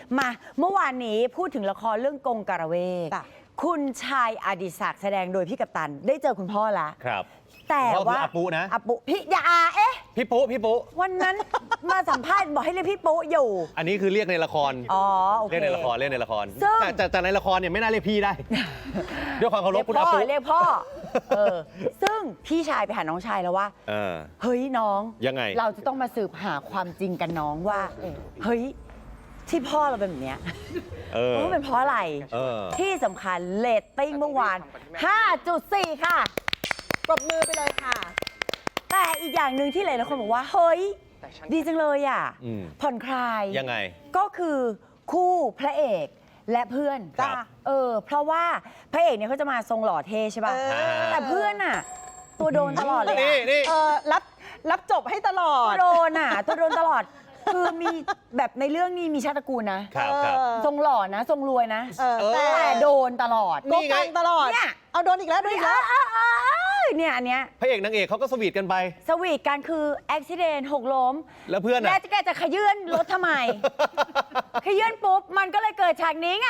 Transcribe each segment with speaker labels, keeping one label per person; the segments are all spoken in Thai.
Speaker 1: มาเมื่อวานนี้พูดถึงละครเรื่องกงกระเวกคุณชายอดิศักดิ์แสดงโดยพี่กัปตันได้เจอคุณพ่อละ
Speaker 2: ครับ
Speaker 1: แต่ว่า
Speaker 2: อาปุนะ
Speaker 1: อาปุพี่อย่า
Speaker 2: พี่ปุ๊
Speaker 1: วันนั้นมาสัมภาษณ์บอกให้เรียกพี่ปุ๊อยู่
Speaker 2: อันนี้คือเรียกในละคร
Speaker 1: โอเค
Speaker 2: เรียกในละครแต่ในละครเนี่ยไม่น่าเรียกพี่ได้ ด้วยความเคารพคุณอาปุ
Speaker 1: เรียกพ่อซึ่งพี่ชายไปหาน้องชายแล้วว่าเฮ้ยน้อง
Speaker 2: ยังไง
Speaker 1: เราจะต้องมาสืบหาความจริงกันน้องว่าเฮ้ยที่พ่อเราเป็นแบบเนี้ยมันเป็นเพราะอะไรที่สำคัญเรตติ้งเมื่อวาน 5.4 ค่ะ
Speaker 3: ปรบมือไปเลยค่ะ
Speaker 1: แต่อีกอย่างหนึ่งที่หลายคนบอกว่าเฮ้ยดีจังเลยอ่ะผ่อนคลาย
Speaker 2: ยังไง
Speaker 1: ก็คือคู่พระเอกและเพื่อนเพราะว่าพระเอกเนี่ยเขาจะมาทรงหล่อเท่ใช่ป่ะแต่เพื่อนอ่ะตัวโดนตลอดเลย
Speaker 2: นี่
Speaker 3: รับจบให้ตลอด
Speaker 1: ตัวโดนตลอดคือมีแบบในเรื่องนี้มีชาติตระกูลนะทรงหล่อนะทรงรวยนะแต่โดนตลอด
Speaker 3: โกกังตลอดเนี่ยเอาโดนอีกแล้ว
Speaker 1: เนี่ยอันเนี้ย
Speaker 2: พระเอกนางเอกเขาก็สวีทกันไป
Speaker 1: สวีทกันคืออุบัติเหตุหกล้ม
Speaker 2: แล้วเพื่อน
Speaker 1: แกจะขยื่นรถทำไมขยื่นปุ๊บมันก็เลยเกิดฉากนี้ไง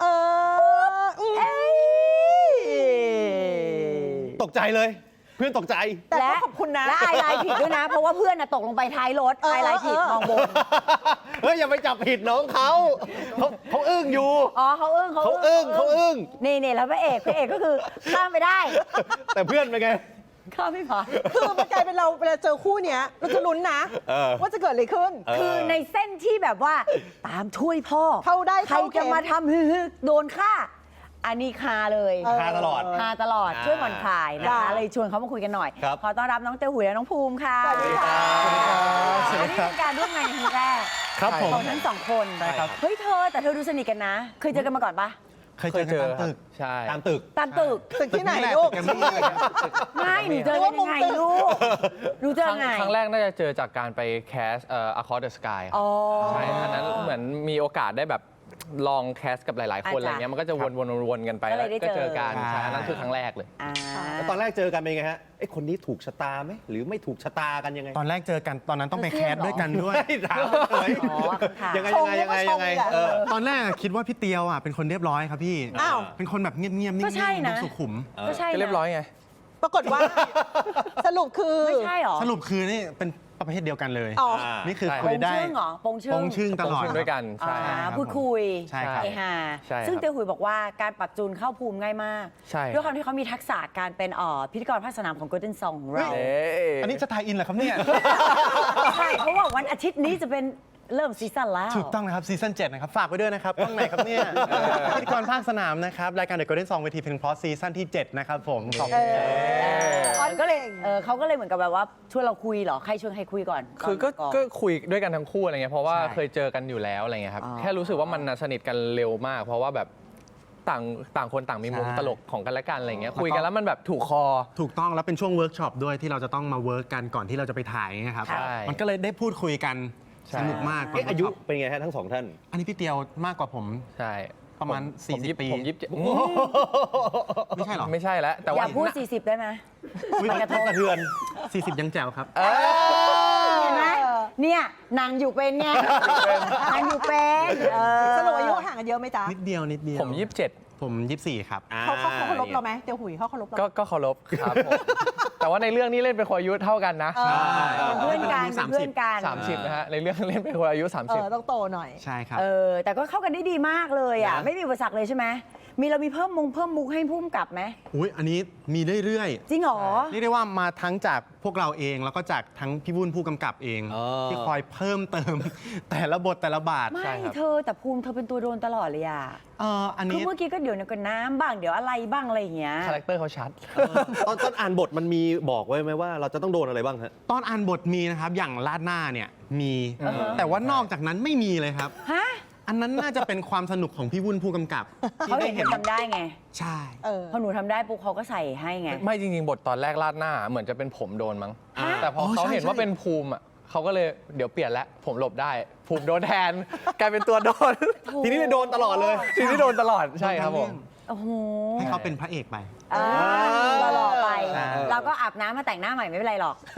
Speaker 2: ตกใจเลยเพื่อนตกใจ
Speaker 3: และขอบคุณนะ
Speaker 1: และไอไลน์ผิดด้วยนะเพราะว่าเพื่อนตกลงไปท้ายรถไอไลน์ผิดมองบน
Speaker 2: เฮ้ยอย่าไปจับผิดน้องเขาอึ้งอยู่
Speaker 1: เขาอึ้งนี่แล้วพระเอกก็คือข้ามไปได้
Speaker 2: แต่เพื่อนเป็นไง
Speaker 1: ข้ามไม่พอ
Speaker 3: คือมันกลายเป็นเราเวลาเจอคู่เนี้ยเราจะลุ้นนะว่าจะเกิดอะไรขึ้น
Speaker 1: คือในเส้นที่แบบว่าตามช่วยพ่อใครจะมาทำโดนฆ่าอันนี้คาเลย
Speaker 2: คาตลอด
Speaker 1: ช่วยผ่อนคลายนะคะเลยชวนเขามาคุยกันหน่อยขอต้อนรับน้องเต้าหุยและน้องภูมิค่ะ
Speaker 3: สวัสดีค่ะ
Speaker 1: อันนี้เป็นการร่วมงานครั้งแรกของทั้งสองคนเฮ้ยแต่เธอดูสนิทกันนะเคยเจอกันมาก่อนปะ
Speaker 4: เคยเจอตามตึก
Speaker 2: ใช่ตามตึก
Speaker 3: ที่ไหนลูก
Speaker 1: ไม่หนูเจอกันยังไงลูกหนูเจอไง
Speaker 4: ครั้งแรกน่าจะเจอจากการไปแคสAcross the Sky ใช่อันนั้นเหมือนมีโอกาสได้แบบลองแคสกับหลายๆคนอะไรเงี้ยมันก็จะวนกันไปแล้วก็เจอกันใช่นั่นคือครั้งแรกเลย
Speaker 2: แล้วตอนแรกเจอกันเป็นไงฮะไอ้คนนี้ถูกชะตาไหมหรือไม่ถูกชะตากันยังไง
Speaker 5: ตอนแรกเจอกันตอนนั้นต้องไปแคสด้วยกันด้วย
Speaker 2: ยังไง
Speaker 5: ตอนแรกคิดว่าพี่เตียวเป็นคนเรียบร้อยครับพี่เป็นคนแบบเงียบๆนิ่งๆดูสุขุม
Speaker 4: ก็เรียบร้อยไง
Speaker 3: ปรากฏว่าสรุปคือ
Speaker 1: ไม่ใช่หรอ
Speaker 5: สรุปคือนี่เป็นประเภทเดียวกันเลยนี่คือคุยได้
Speaker 1: ปงชื่ง
Speaker 5: ตลอด
Speaker 4: ด้วยกันใช่
Speaker 1: พูดคุย
Speaker 5: ใช่ครับ
Speaker 1: ซึ่งเตียวหุยบอกว่าการปรับจูนเข้าภูมิง่ายมากด้วยความที่เขามีทักษะการเป็นพิธีกรภาคสนามของ Golden Song ของเรา
Speaker 5: อันนี้จะทายอินเหรอครับเนี่ย
Speaker 1: ใช่เพราะว่าวันอาทิตย์นี้จะเป็นเริ่มซีซั่นแล้ว
Speaker 5: ถูกต้องนะครับซีซั่น7นะครับฝากไว้ด้วยนะครับช่องไหนครับเนี่ยพิธีกรภาคสนามนะครับรายการ The Golden Song เวทีเพลงเพราะซีซั่นที่7นะครับผมขอบคุณ
Speaker 1: ก็เลยเขาก็เลยเหมือนกับแบบว่าชวนเราคุยเหรอใครชวนใครคุยก่อน
Speaker 4: คือก็คุยด้วยกันทั้งคู่อะไรเงี้ยเพราะว่าเคยเจอกันอยู่แล้วอะไรเงี้ยครับแค่รู้สึกว่ามันสนิทกันเร็วมากเพราะว่าแบบต่างคนต่างมีมุมตลกของกันและกันอะไรเงี้ยคุยกันแล้วมันแบบถูกคอ
Speaker 5: ถูกต้องแล้วเป็นช่วงเวิร์กช็อปด้วยที่เราจะต้องมาเวิร์กกันก่อนที่เราจะไปถ่ายนะครับมันก็เลยได้พูดคุยกันสนุกมาก
Speaker 2: อายุเป็นไงฮะทั้งสองท่าน
Speaker 5: อันนี้พี่เตียวมากกว่าผม
Speaker 4: ใช่
Speaker 5: ประมาณ40 ปี
Speaker 4: ผม27
Speaker 5: ไม่ใช่หรอ
Speaker 4: ไม่ใช่แล้วแต่ว่า
Speaker 1: อย่าพูด40ได้ไหม
Speaker 2: มันกระทบกระเทือน
Speaker 5: 40ยังแจ๋วครับ
Speaker 1: เห็นไหมเนี่ยนางอยู่เป็นไงนางอยู่เป็น
Speaker 3: สรุปอายุห่างกันเยอะไหมจ๊ะ
Speaker 5: นิดเดียว
Speaker 4: ผม27
Speaker 5: ผม24ครับ
Speaker 3: เขาเคารพเราไหมเตียวหุยเขาเคารพเรา
Speaker 4: ก็เคารพครับผมแต่ว่าในเรื่องนี้เล่นเป็นคนอายุเท่ากันนะ
Speaker 1: เป็นเพื่อนกัน
Speaker 4: 30นะฮะในเรื่องเล่นเป็นคนอายุ30
Speaker 3: ต้องโตหน่อย
Speaker 5: ใช่ครับ
Speaker 1: แต่ก็เข้ากันได้ดีมากเลยอ่ะไม่มีอุปสรรคเลยใช่ไหมเรามีเพิ่มมุกให้พุ่มกลับไหม
Speaker 5: อุ้ยอันนี้มีเรื่อย
Speaker 1: ๆจริงเหรอ
Speaker 5: เรียกได้ว่ามาทั้งจากพวกเราเองแล้วก็จากทั้งพี่วุ้นผู้กำกับเองที่คอยเพิ่มเติมแต่ละบทแต่ละบาท
Speaker 1: ไม่แต่ภูมิเธอเป็นตัวโดนตลอดเลยอ่ะ
Speaker 5: อันนี้
Speaker 1: คือเมื่อกี้ก็เดี๋ยวก็น้ำบ้างเดี๋ยวอะไรบ้างอะไรอย่างเงี้ย
Speaker 4: คาแรคเตอร์เขาชัด
Speaker 2: ตอนอ่านบทมันมีบอกไว้ไหมว่าเราจะต้องโดนอะไรบ้างฮะ
Speaker 5: ตอนอ่านบทมีนะครับอย่างลาดหน้าเนี่ยมีแต่ว่านอกจากนั้นไม่มีเลยครับอันนั้นน่าจะเป็นความสนุกของพี่วุ้นผู้กำกับ
Speaker 1: เขาเห็นทำได้ไง
Speaker 5: ใช่
Speaker 1: พอหนูทำได้ปุ๊บเขาก็ใส่ให้ไง
Speaker 4: ไม่จริงๆบทตอนแรกลาดหน้าเหมือนจะเป็นผมโดนมั้งแต่พอเขาเห็นว่าเป็นภูมิเขาก็เลยเดี๋ยวเปลี่ยนแล้วผมหลบได้ภูมิโดนแทนกลายเป็นตัวโดน
Speaker 2: ทีนี้โดนตลอดเลย
Speaker 4: ทีนี้โดนตลอดใช่ครับผม
Speaker 1: โอ้โห
Speaker 5: ให้เขาเป็นพระเอกไป
Speaker 1: ตลอดไปเราก็อาบน้ำมาแต่งหน้าใหม่ไม่เป็นไรหรอก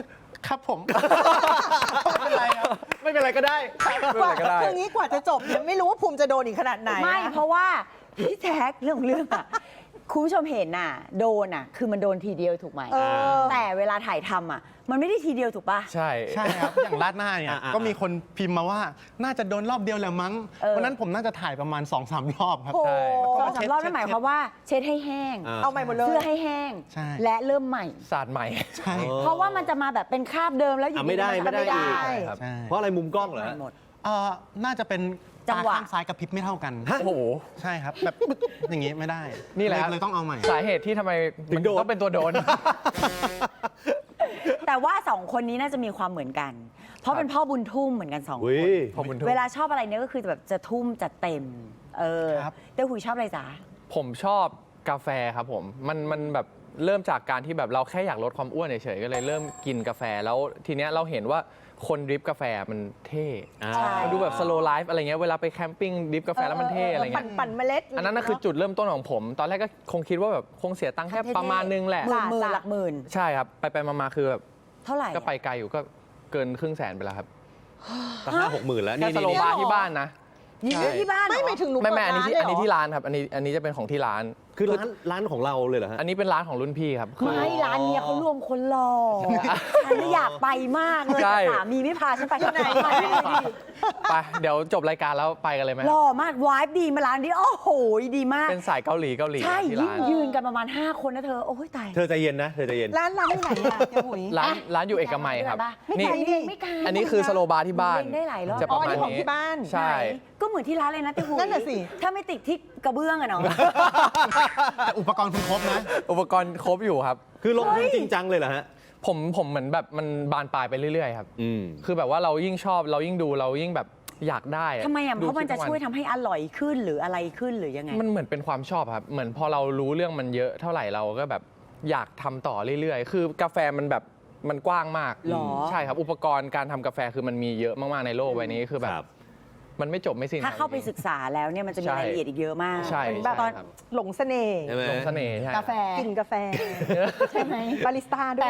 Speaker 5: ครับผม ไม่เป็นไรครับ
Speaker 2: ไม่เป็นไรก็ได้
Speaker 3: กว่าคืองี้กว่าจะจบเนี่ยไม่รู้ว่าภูมิจะโดนอีกขนาดไหน
Speaker 1: ไม่เพราะว่าพี่แท็กเรื่องของเรื่องอะคุณผู้ชมเห็นน่ะโดนอ่ะคือมันโดนทีเดียวถูกไหม
Speaker 3: เออ
Speaker 1: แต่เวลาถ่ายทำอ่ะมันไม่ได้ทีเดียวถูกปะ
Speaker 4: ใช่
Speaker 5: ใช่ครับ อย่างราดหน้าเนี่ย
Speaker 2: อ่าๆ
Speaker 5: ก็มีคนพิมพ์มาว่าน่าจะโดนรอบเดียวแหละมั้ง
Speaker 1: เออ
Speaker 5: วันนั้นผมน่าจะถ่ายประมาณ 2-3 รอบครับ
Speaker 3: โอ้
Speaker 4: ใช่
Speaker 1: สองสามรอบนั่นหมายความว่าเช็ดให้แห้ง
Speaker 3: เอาใหม่หมดเลย
Speaker 1: เสื้อให้แห้ง
Speaker 5: ใช่
Speaker 1: และเริ่มใหม่
Speaker 4: ศาสตร์ใหม่
Speaker 5: ใช่
Speaker 1: เพราะว่ามันจะมาแบบเป็นคราบเดิมแล้วอยู่
Speaker 2: ไม่ได้
Speaker 1: ๆน
Speaker 2: ไม่ได้
Speaker 1: ไม่ได้
Speaker 2: อีก
Speaker 4: ครับ
Speaker 5: ใช่
Speaker 2: เพราะอะไรมุมกล้องเหรอ
Speaker 1: ใหม่หมด
Speaker 5: น่าจะเป็น
Speaker 1: จั
Speaker 5: ตาง
Speaker 1: หวะ
Speaker 5: ข้างซ้ายกับพริบไม่เท่ากัน
Speaker 4: โอ้โห
Speaker 5: ใช่ครับ แบบปึ๊ดอย่างงี้ไม่ได้
Speaker 4: นี่แหละ
Speaker 5: เลยต้องเอาใหม่
Speaker 4: สาเหตุที่ทำไม
Speaker 2: ถึ
Speaker 4: มัน
Speaker 2: งโดน
Speaker 4: ต้องเป็นตัวโดน
Speaker 1: แต่ว่าสองคนนี้น่าจะมีความเหมือนกัน เพราะเป็นพ่อบุญทุ่มเหมือนกันสองค
Speaker 2: อุ้
Speaker 1: น
Speaker 2: ย
Speaker 4: พอบุญทุ่ม
Speaker 1: เวลาชอบอะไรเนี่ยก็คือแบบจะทุ่มจะเต็ม
Speaker 5: ครับ
Speaker 1: เต้าหุยชอบอะไรจ๊ะ
Speaker 4: ผมชอบกาแฟครับผม มันแบบเริ่มจากการที่แบบเราแค่อยากลดความอ้วนเฉยๆก็เลยเริ่มกินกาแฟแล้วทีเนี้ยเราเห็นว่าคนดริฟกาแฟมันเท่
Speaker 1: ใช่
Speaker 4: มันดูแบบสโลว์ไลฟ์อะไรเงี้ยเวลาไปแคมปิ้งดริฟกาแฟแล้วมันเท่อะไรเงี้ย
Speaker 3: ปั่นเมล็ด
Speaker 4: อันนั้นน่ะคือจุดเริ่มต้นของผม ตอนแรกก็คงคิดว่าแบบคงเสียตังค์แค่ประมาณนึงแหละ
Speaker 1: หมื่นหลักหมื่น
Speaker 4: ใช่ครับ ไปมาคือแบบ
Speaker 1: เท่าไหร่
Speaker 4: ก็ไปไกลอยู่ก็เกินครึ่งแสนไปแล้วครับ
Speaker 2: ตั้ง5-6 หมื่นแล้ว
Speaker 4: แค่
Speaker 2: นี่
Speaker 4: สโล
Speaker 2: นี่
Speaker 4: บาร์ที่บ้านนะ
Speaker 1: ยิงที่บ้านเหรอ
Speaker 3: ไม่หมายถึงหนู
Speaker 4: ไม่
Speaker 3: เปิด
Speaker 4: อันนี้
Speaker 3: ร้าน
Speaker 4: ที่
Speaker 3: เลย
Speaker 4: อัน
Speaker 3: เหร
Speaker 4: นี้
Speaker 3: อ
Speaker 4: ที่ร้านครับ อันนี้จะเป็นของที่ร้าน
Speaker 2: คือร้านของเราเลยเหรอฮะ
Speaker 4: อันนี้เป็นร้านของรุ่นพี่ครับคือ
Speaker 1: ไม่ร้านเนี้ยเขารวมคนหล่อฉันน่ะอยากไปมากเลย
Speaker 4: ใช่
Speaker 1: แต่สามีไม่พาฉันไปที่ไหนไปเลยดิ
Speaker 4: ไปเดี๋ยวจบรายการแล้วไปกันเลยไหม
Speaker 1: หล่อมากวายดีมาร้านนี้โอ้โหดีมาก
Speaker 4: เป็นสายเกาหลี
Speaker 1: ใช่
Speaker 4: ที่
Speaker 1: ยิ่ง
Speaker 4: ร้าน
Speaker 1: ยืนกันประมาณ 5 คนนะเธอ โอ้ยตาย
Speaker 2: เธอใจเย็นนะเธอใจเย็น
Speaker 3: ร้านอยู่ไหนอะเจ้าหุย
Speaker 4: ร้านอยู่เอกมัยครับ
Speaker 1: ไม่ไกล
Speaker 4: นี่
Speaker 1: ไม่ไกล
Speaker 4: อันนี้คือสโลบาร์ที่บ้าน
Speaker 1: เล่นได้หลายรอบ
Speaker 4: จะประมาณ
Speaker 3: อ๋ออันนี้ของ
Speaker 4: นี้
Speaker 3: ที่บ้าน
Speaker 4: ใช่
Speaker 1: ไหนก็เหมือนที่ร้านเลยนะเต้าหู้
Speaker 3: นั่นน่ะสิ
Speaker 1: ถ้าไม่ติดที่กระเบื้องอะเนาะ
Speaker 5: แต่อุปกรณ์คุณครบนะ
Speaker 4: อุปกรณ์ครบอยู่ครับ
Speaker 2: คือลงทุนจริงจังเลยเหรอฮะ
Speaker 4: ผมเหมือนแบบมันบานปลายไปเรื่อยๆครับ
Speaker 2: อืม
Speaker 4: คือแบบว่าเรายิ่งชอบเรายิ่งดูเรายิ่งแบบอยากได้
Speaker 1: ทำไมอ่ะ
Speaker 4: ดู
Speaker 1: เพราะมันจะ
Speaker 4: ทุก
Speaker 1: ช่วยทำให้อร่อยขึ้นหรืออะไรขึ้นหรือยังไง
Speaker 4: มันเหมือนเป็นความชอบครับ เหมือนพอเรารู้เรื่องมันเยอะเท่าไหร่เราก็แบบอยากทำต่อเรื่อยๆ คือกาแฟมันแบบมันกว้างมาก
Speaker 1: หรอ
Speaker 4: ใช่ครับ อุปกรณ์การทำกาแฟคือมันมีเยอะมากๆในโลกใบนี้คือแบ
Speaker 2: ครับ บ
Speaker 4: มันไม่จบไม่สิ้น
Speaker 1: ถ้าเข้าไปศึกษาแล้วเนี่ยมันจะมี
Speaker 4: ใช่
Speaker 1: รายละเอียดอีกเยอะมาก
Speaker 4: ใช่
Speaker 3: เป็นแบบ
Speaker 4: ใช่ครับ
Speaker 3: หลงเสน่ห์
Speaker 2: ใช่ไหม
Speaker 4: ลงเสน่ห์ใช่
Speaker 3: กาแฟกินกาแฟ
Speaker 1: ใช่ไหม
Speaker 3: บาริสต้าด้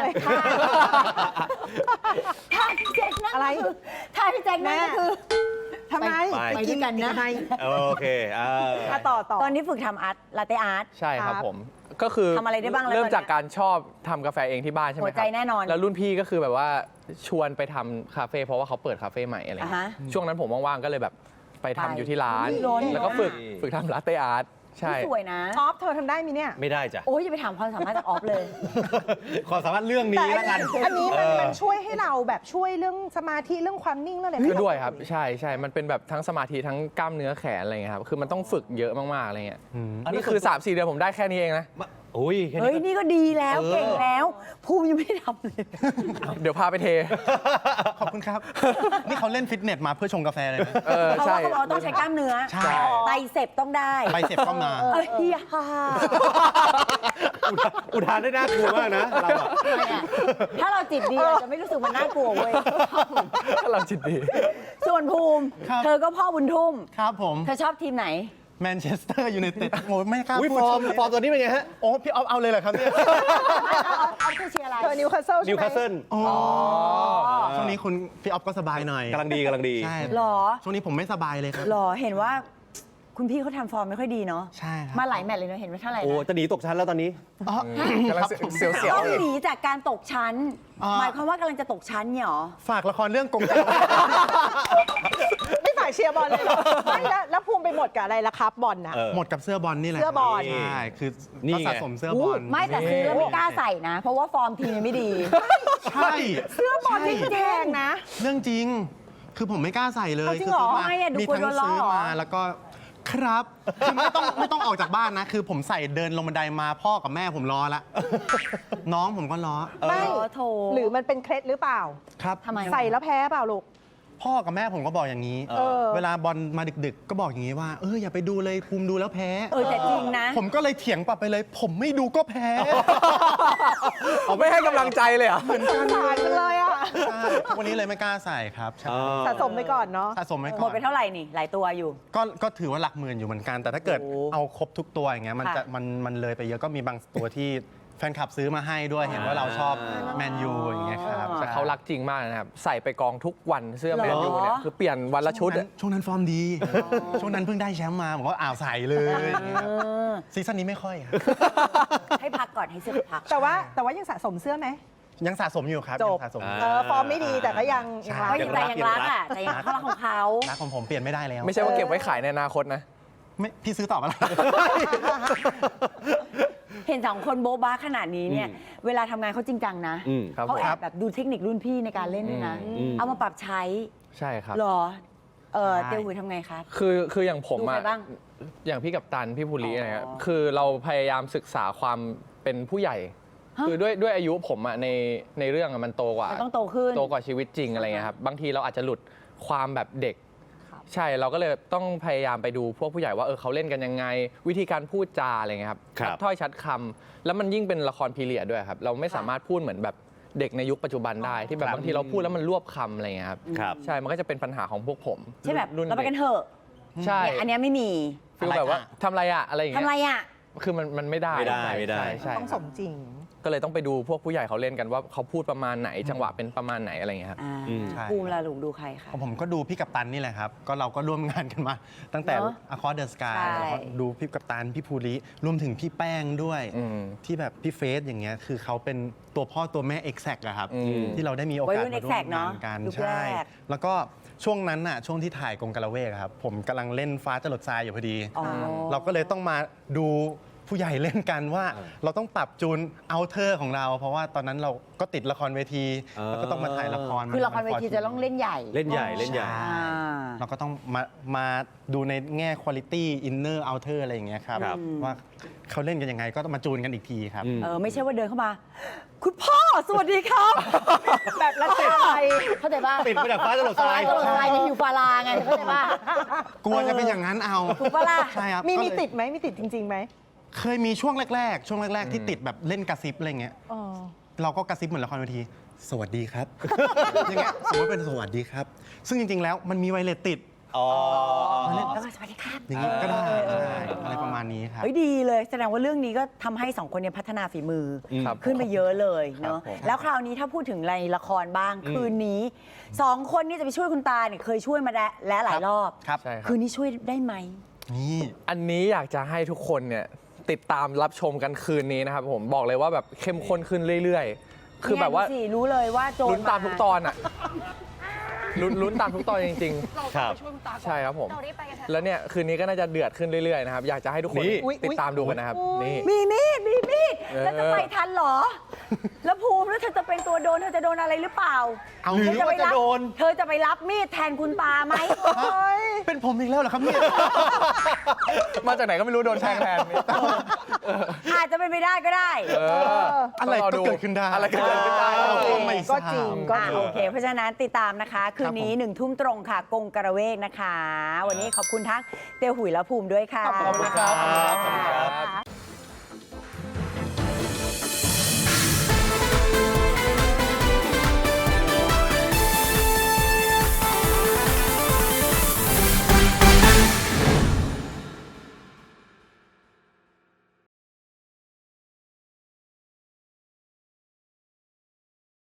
Speaker 1: แต่
Speaker 3: วย
Speaker 1: ถ้าพี่แจ็คนั่น
Speaker 3: อะไร
Speaker 1: ก็คือถ้าพี่แจ็คนั่นก็คือ
Speaker 3: ทำไม
Speaker 2: ไป
Speaker 3: กินกันนะ
Speaker 2: โอเค
Speaker 3: ต่อ
Speaker 1: ตอนนี้ฝึกทำอาร์ตลาเต้อาร์ต
Speaker 4: ใช่ครับ
Speaker 3: ครับ
Speaker 4: ผม ก็คือ
Speaker 1: ทำอะไรได้บ้างแล้ว
Speaker 4: เริ่ม
Speaker 1: ตอนเนี้ย
Speaker 4: จากการชอบทำกาแฟเองที่บ้านใช่ไหม
Speaker 1: หั
Speaker 4: คว
Speaker 1: ใจ
Speaker 4: รับ
Speaker 1: แน่นอน
Speaker 4: แล้วรุ่นพี่ก็คือแบบว่าชวนไปทำคาเฟ่เพราะว่าเขาเปิดคาเฟ่ใหม่อะไร
Speaker 1: อ่า
Speaker 4: เงี้
Speaker 1: ฮะ
Speaker 4: ยช่วงนั้นผมว่างๆก็เลยแบบไปทำ
Speaker 1: ไป
Speaker 4: อยู่ที่ร้าน
Speaker 1: อุ๊ยร้อน
Speaker 4: แล้วก็ฝึกทำลาเต้อาร์ตใช่
Speaker 1: นี่สวยนะ
Speaker 3: ออฟเธอทำได้มีเนี่ย
Speaker 2: ไม่ได้จ้ะ
Speaker 1: โอ้ยอย่าไปถามความสามารถจากออฟเลย
Speaker 2: ความสามารถเรื่องนี้แล้วกัน
Speaker 3: อันนี้มันช่วยให้เราแบบช่วยเรื่องสมาธิเรื่องความนิ่งเรื่องอะไร
Speaker 4: ก็ด้วยครับใช่ใช่มันเป็นแบบทั้งสมาธิทั้งกล้ามเนื้อแขนอะไรเงี้ยครับคือมันต้องฝึกเยอะมากๆอะไรเงี้ย
Speaker 2: อันนี้
Speaker 4: นี่คือ 3-4 เดือนผมได้แค่นี้เองนะ
Speaker 2: โอ้ยแค่
Speaker 1: เฮ้ย
Speaker 2: นี้
Speaker 1: นี่ก็ดีแล้วเก่งแล้ว ภูมิยังไม่ได้ทำเลย
Speaker 4: เดี๋ยวพาไปเท
Speaker 5: ขอบคุณครับ นี่เขาเล่นฟิตเนสมาเพื่อชงกาแฟเลยนะ
Speaker 4: เออ
Speaker 1: เพราะ
Speaker 4: ใช่
Speaker 1: ว่าเขาบอกว่าต้องใช้กล้ามเนื้อ
Speaker 5: ใช่
Speaker 1: ไตเสพต้องได้
Speaker 5: ไปเสร็จก็มา
Speaker 1: เอ้ยฮ่า
Speaker 2: อุทานได้น่ากลัวมากนะเราอะ
Speaker 1: ทำไมอะถ้าเราจิตดีเราจะไม่รู้สึกมันน่ากลัวเว้ย
Speaker 4: เราจิตดี
Speaker 1: ส่วนภูมิ
Speaker 5: ครับ
Speaker 1: เธอก็พ่อบุญทุ่ม
Speaker 5: ครับผม
Speaker 1: เธอชอบทีมไหน
Speaker 5: แมนเชสเตอร์ยูไนเต็ดโอ้ไม่กล้า
Speaker 2: อุ้ย
Speaker 5: พูด
Speaker 2: ฟอร์ม
Speaker 5: ชื่
Speaker 2: ฟอร์มตัวนี้เป็นไงฮะ
Speaker 5: โอ้พี่ออฟเอาเลยเหรอครับเนี่ย
Speaker 1: เอาเธอเชียร์อะไร
Speaker 3: เธอนิวคาสเซิลใช่
Speaker 2: นิว
Speaker 3: ไหม
Speaker 2: คาสเซิล
Speaker 5: อ๋อช่วงนี้คุณพี่ออฟก็สบายหน่อย
Speaker 2: กำลังดีกำลังดี
Speaker 5: ใช่
Speaker 1: หรอ
Speaker 5: ช่วงนี้ผมไม่สบายเลยครับ
Speaker 1: หรอเห็นว่า คุณพี่เขาทำฟอร์มไม่ค่อยดีเนาะ
Speaker 5: ใช่ครับ
Speaker 1: มาหลายแมตช์เลยเนาะเห็นว่าเท่าไหร่
Speaker 2: โอ้
Speaker 1: นะ
Speaker 2: จะหนีตกชั้นแล้วตอนนี้
Speaker 5: อ๋อก
Speaker 4: ำลังเสียว
Speaker 1: ต้องหนีจากการตกชั้น
Speaker 5: อ่า
Speaker 1: หมายความว่ากำลังจะตกชั้นเนี่ยหรอ
Speaker 5: ฝากละครเรื่องกงจักร
Speaker 3: ไม่ฝ่ายเชียร์บอลเลยเหรอไม่แล้วภูมิไปหมดกับอะไรล่ะครับบอลนะ
Speaker 2: เออ
Speaker 5: หมดกับเสื้อบอลนี่แหละ
Speaker 3: เสื้อบอล
Speaker 5: ใช่คือ
Speaker 2: นี่
Speaker 5: ก็
Speaker 2: ไง
Speaker 5: สะสมเสื้อบอล
Speaker 1: ไม่แต่ซื้อแล้วไม่กล้าใส่นะ เพราะว่าฟอร์มทีมยังไม่ดี
Speaker 5: ใช่
Speaker 3: เสื้อบอลที่แพงนะ
Speaker 5: เรื่องจริง คือผมไม่กล้าใส่เลย
Speaker 3: เอาจริงเหรอ
Speaker 5: คืซื้
Speaker 1: ไม่อะดู
Speaker 5: มี
Speaker 1: กลัว
Speaker 5: ทั้ง
Speaker 1: โดนล้อ
Speaker 5: ซื้อ
Speaker 1: เหรอ
Speaker 5: มาแล้วก็ครับคือไม่ต้องออกจากบ้านนะ คือผมใส่เดินลงบันไดมาพ่อกับแม่ผมล้อละน้องผมก็ล้อ
Speaker 3: ไม่
Speaker 1: โถ
Speaker 3: หรือมันเป็นเคล็ดหรือเปล่า
Speaker 5: ครับ
Speaker 1: ทำไม
Speaker 3: ใส่แล้วแพ้เปล่าลูก
Speaker 5: พ่อกับแม่ผมก็บอกอย่างนี้
Speaker 3: เออ
Speaker 5: เวลาบอลมาดึกๆ ก็บอกอย่างนี้ว่าอย่าไปดูเลยภูมิดูแล้วแพ้
Speaker 1: แต่จริงนะ
Speaker 5: ผมก็เลยเถียงกลับไปเลย ผมไม่ดูก็แพ้
Speaker 4: ผมไม่ให้กำลังใจเลยเหรอ่ะ
Speaker 3: สงสารจังเลยอ่ะ
Speaker 5: ใช่วันนี้เลยไม่กล้าใส่ครับใช่
Speaker 3: สะสมไปก่อนเนาะ
Speaker 5: สะสมไว้ก่
Speaker 1: หม
Speaker 5: อ
Speaker 1: ด
Speaker 5: น
Speaker 1: ไปเท่าไหร่นี่ หลายตัวอยู่
Speaker 5: ก็ถือว่าหลักหมื่นอยู่เหมือนกัน แต่ถ้าเกิด
Speaker 1: โอ้
Speaker 5: เอาครบทุกตัวอย่างเงี้ยมัน
Speaker 1: ค่ะ
Speaker 5: จะมันเลยไปเยอะก็มีบางตัวที่แฟนคลับซื้อมาให้ด้วยเห็นว่าเราชอบแมนยูอย่างเงี้ยครับ
Speaker 4: แต่เขารักจริงมากนะครับ ใส่ไปกองทุกวันเสื้อแมนยู
Speaker 1: เหรอ
Speaker 4: เนี่ยคือเปลี่ยนวันละชุดอะ
Speaker 5: ช่วงนั้นฟอร์มดี ช่วงนั้นเพิ่งได้แชมป์มาผมก็ใส่เลยซีซั่นนี้ไม่ค่อยครับ
Speaker 1: ให้พักก่อนให้เสื้อพัก
Speaker 3: แต่ว่ายังสะสมเสื้อไหม
Speaker 5: ยังสะสมอยู่ครับ
Speaker 3: จ
Speaker 5: ยั
Speaker 3: บ
Speaker 5: งสะสม
Speaker 3: ฟอร์มไม่ดีแต่ก็ยัง
Speaker 5: ใช่
Speaker 3: รัก
Speaker 1: ก็ยังใจยังรักอ่ะใจยังเขารักของเขา
Speaker 5: รักของผมเปลี่ยนไม่ได้แล้ว
Speaker 4: ไม่ใช่ว่าเก็บไว้ขายในอนาคตนะ
Speaker 5: ไม่พี่ซื้อต่อมาแล้ว
Speaker 1: เห็นสองคนโบ๊ะบ้าขนาดนี้เนี่ย เวลาทำงานเขาจริงจังนะ
Speaker 4: ครับ
Speaker 1: เขา
Speaker 4: ผม
Speaker 1: แอบแบบดูเทคนิครุ่นพี่ในการเล่นด้วยนะ เอามาปรับใช้
Speaker 4: ใช่ครับ
Speaker 1: เหรอ
Speaker 5: ใช่
Speaker 1: เตียวหุยทำไงคะ
Speaker 4: คืออย่างผม
Speaker 1: ดูใคร
Speaker 4: อะ
Speaker 1: บ้าง
Speaker 4: อย่างพี่กัปตันพี่ภูริ
Speaker 1: อ๋ออ
Speaker 4: อะไรเงี้ยคือเราพยายามศึกษาความเป็นผู้ใหญ่
Speaker 1: ฮะ
Speaker 4: คือด้วยอายุผมอะในเรื่องอะมันโตกว่า
Speaker 1: มันต้องโตขึ้น
Speaker 4: โตกว่าชีวิตจริงอะไรเงี้ยครับบางทีเราอาจจะหลุดความแบบเด็ก ใช่เราก็เลยต้องพยายามไปดูพวกผู้ใหญ่ว่าเขาเล่นกันยังไง วิธีการพูดจาอะไรเงี้ยครับ
Speaker 2: ครับ
Speaker 4: ชัดถ้อยชัดคำแล้วมันยิ่งเป็นละครพีเรียดด้วยครับเราไม่สามารถพูดเหมือนแบบเด็กในยุคปัจจุบันได้ที่แบบบางทีเราพูดแล้วมันรวบคำอะไรเงี้ยครับ
Speaker 2: ครับ
Speaker 4: ใช่มันก็จะเป็นปัญหาของพวกผม
Speaker 1: ใช่แบบ
Speaker 4: รุ่น
Speaker 1: เราไปกัน
Speaker 4: ด็
Speaker 1: เถอะ
Speaker 4: ใช่
Speaker 1: เนี่ยอันเนี้ยไม่มี
Speaker 4: ฟีลแบบว่าทำอะไรอะอะไรอย่าง
Speaker 1: ทำ
Speaker 4: เงี้ย
Speaker 1: ไรอ่ะ
Speaker 4: คือมันไม่ได้
Speaker 2: ไม่ได้ไม่ได้
Speaker 4: ใช่
Speaker 3: ต้อง
Speaker 4: ค
Speaker 3: ส
Speaker 4: รับ
Speaker 3: มจริง
Speaker 4: ก็เลยต้องไปดูพวกผู้ใหญ่เขาเล่นกันว่าเขาพูดประมาณไหนจังหวะเป็นประมาณไหนอะไรอย่างเงี้ยครับ
Speaker 5: ใช่
Speaker 1: ภูมิละลุงดูใครคะ
Speaker 5: ผมก็ดูพี่กัปตันนี่แหละครับ ก็เราก็ร่วมงานกันมา ตั้งแต่
Speaker 1: เนอะ
Speaker 5: Across the Sky
Speaker 1: ใช่
Speaker 5: แล้วก็ดูพี่กัปตันพี่ภูริรวมถึงพี่แป้งด้วย
Speaker 4: อืม
Speaker 5: ที่แบบพี่เฟสอย่างเงี้ยคือเขาเป็นตัวพ่อตัวแม่ Exact อะครับ
Speaker 4: อืม
Speaker 5: ที่เราได้มีโอกาส
Speaker 1: วัยรุ่น
Speaker 5: มาร่ว
Speaker 1: Exact
Speaker 5: มงานกัน
Speaker 1: เนอะยุค
Speaker 5: ใช่
Speaker 1: แรก
Speaker 5: แล้วก็ช่วงนั้นน่ะช่วงที่ถ่ายกรงกะละเวกอะครับผมกำลังเล่นฟ้าจรดทรายอยู่พอดี
Speaker 1: อ๋อ
Speaker 5: เราก็เลยต้องมาดูผู้ใหญ่เล่นกันว่าเราต้องปรับจูนเอาเทอร์ของเรา เพราะว่าตอนนั้นเราก็ติดละครเวที แล้วก็ต้องมาถ่ายละคร
Speaker 1: คือละครเวทีจะต้องเล่นใหญ่
Speaker 2: เล่นใหญ่เล่นใหญ่
Speaker 1: อ่า
Speaker 5: เราก็ต้องมาดูในแง่ quality inner outer อะไรอย่างเงี้ยครับ
Speaker 2: ครับ
Speaker 5: ว่าเขาเล่นกันยังไงก็ต้องมาจูนกันอีกทีครับ
Speaker 1: ไม่ใช่ว่าเดินเข้ามา คุณพ่อสวัสดีครับ
Speaker 3: แบบละเสียใจ
Speaker 1: เข้าใจป่ะ
Speaker 2: ติดมาจากฟ้าจรดทราย
Speaker 1: ตลอดทรายในฮิวฟาลาไงเข้าใจป่ะ
Speaker 5: กลัวจะเป็นอย่างนั้นเอา
Speaker 1: ถูกปะล่ะ
Speaker 5: ใช่ครับ
Speaker 3: มี
Speaker 5: ก็เลย
Speaker 3: ติดไหมมีติดจริงๆไหม
Speaker 5: เคยมีช่วงแรกๆ ช่วงแรก ๆ ที่ติดแบบเล่นกระซิบอะไรเงี้ย
Speaker 3: อ๋อ
Speaker 5: เราก็กระซิบเหมือนละครเวที สวัสดีครับ อย่างเงี้ยสมมติเป็นสวัสดีครับ ซึ่งจริง ๆ แล้วมันมีไวเลสติด
Speaker 2: อ๋อ
Speaker 1: แล้วก็สวัสดีครับ
Speaker 5: อย่างงี้ก็ได้ใช่อะไรประมาณนี้ครับ
Speaker 1: เฮ้ยดีเลยแสดงว่าเรื่องนี้ก็ทำให้สองคนเนี่ยพัฒนาฝีมือ
Speaker 4: ครับ
Speaker 1: ขึ้นไปเยอะเลยเนาะ
Speaker 4: ครับผม
Speaker 1: แล้วคราวนี้ถ้าพูดถึงในละครบ้าง คืนนี้สองคนนี่จะไปช่วยคุณตาเนี่ยเคยช่วยมาแล้วหลายรอบ
Speaker 5: ครับ
Speaker 4: ใช่ครับ
Speaker 1: คืนนี้ช่วยได้ไหม
Speaker 5: นี่
Speaker 4: อันนี้อยากจะให้ทุกคนเนี่ยติดตามรับชมกันคืนนี้นะครับผมบอกเลยว่าแบบเข้มข้นขึ้นเรื่อยๆ คือแบบว่า
Speaker 1: เนี่ยดูสิรู้เลยว่าโจร
Speaker 4: ลุ้นตามทุกตอนอ่ะลุ้นตามทุกตอนจริง
Speaker 2: ครับ
Speaker 4: ๆ ใช่ครับผม แล้วเนี่ยคืนนี้ก็น่าจะเดือดขึ้นเรื่อยๆนะครับอยากจะให้ทุกคน
Speaker 2: นี่
Speaker 4: ติดตามดูกันนะครับนี่
Speaker 1: มีมีด
Speaker 4: เออ
Speaker 1: แล้วจะไปทันเหรอ แล้วภูมิแล้วเธอจะเป็นตัวโดนเธอจะโดนอะไรหรือเปล่า
Speaker 5: เอา
Speaker 2: หรือ
Speaker 1: เธอ
Speaker 2: ว่าจะโดน
Speaker 1: เธอจะไปรับมีดแทนคุณตาไหม
Speaker 5: เป็นผมอีกแล้วเหรอครับเนี่ย
Speaker 4: มาจากไหนก็ไม่รู้โดนแทงแทนนี่
Speaker 1: อาจจะเป็นไปได้ก็ได้
Speaker 5: อะไรก็เกิดขึ้นได้
Speaker 4: อะไรก็เกิดขึ้นได้
Speaker 5: เราก็ไม่ท
Speaker 3: ก็
Speaker 5: ราบ
Speaker 3: จริงก็จริง
Speaker 1: โอเค เพราะฉะนั้นติดตามนะคะ คืนนี้ 1 ทุ่มตรงค่ะ กงกระเวกนะคะ วันนี้ขอบคุณทั้งเตียวหุยและภูมิด้วยค่ะ
Speaker 5: ขอบคุณครับ
Speaker 1: ขอบคุณครับ